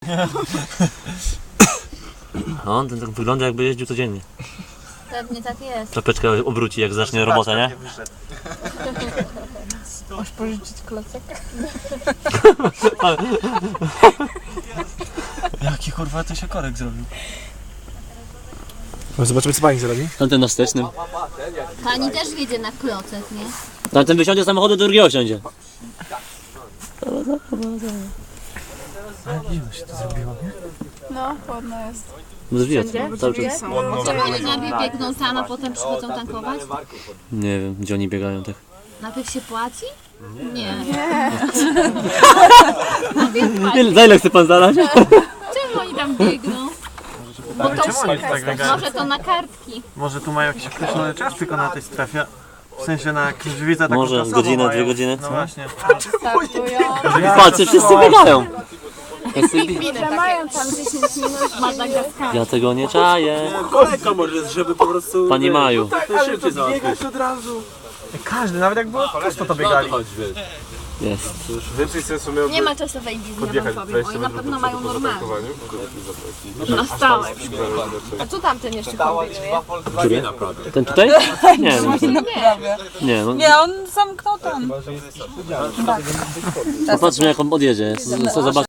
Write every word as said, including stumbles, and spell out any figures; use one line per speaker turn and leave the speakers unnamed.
No, on ten tak wygląda, jakby jeździł codziennie.
Pewnie tak jest.
Czapeczkę obróci, jak zacznie robotę, nie?
Masz pożyczyć klocek?
Jaki kurwa to się korek zrobił.
No zobaczymy co pani zrobi.
Tamten na wstecznym.
Pani też jedzie na klocek, nie?
Tamten wysiądzie z samochodu, do drugiego siądzie.
Ale zimno się to zrobiło, nie?
No, chłodno jest.
Zwijać cały czas.
Czemu oni najpierw biegną tam, a potem przychodzą tankować?
Nie wiem, gdzie oni biegają tak.
Najpierw się płaci? Nie.
Ile, za ile chce pan zadać?
Czemu oni tam biegną? Bo to
Czemu oni tak biegają?
może to na kartki.
Może tu mają jakiś określony czas tylko na tej strefie? W sensie na jakimś widzę taką
Może
czasową
godzinę,
mają.
dwie godziny?
No właśnie.
Startują.
Patrzcie, wszyscy biegają. Wszyscy bie-
Mają tam dziesięć minut Madagaskaru.
Ja tego nie czaję.
Kolejka może, żeby po prostu...
Pani Maju.
Ale to biegać od razu.
Każdy, nawet jak było pusto to biegali.
Jest.
Więcej sensu miał
Nie ma czasowej wizji, ja wam powiem. Oni na pewno mają normalnie. Na stałe.
A co tamten jeszcze kombinuje?
Który? Ten tutaj? Nie wiem.
Naprawia.
Nie, no.
Nie, on zamknął tam.
Popatrzmy jak on odjedzie. Zobacz.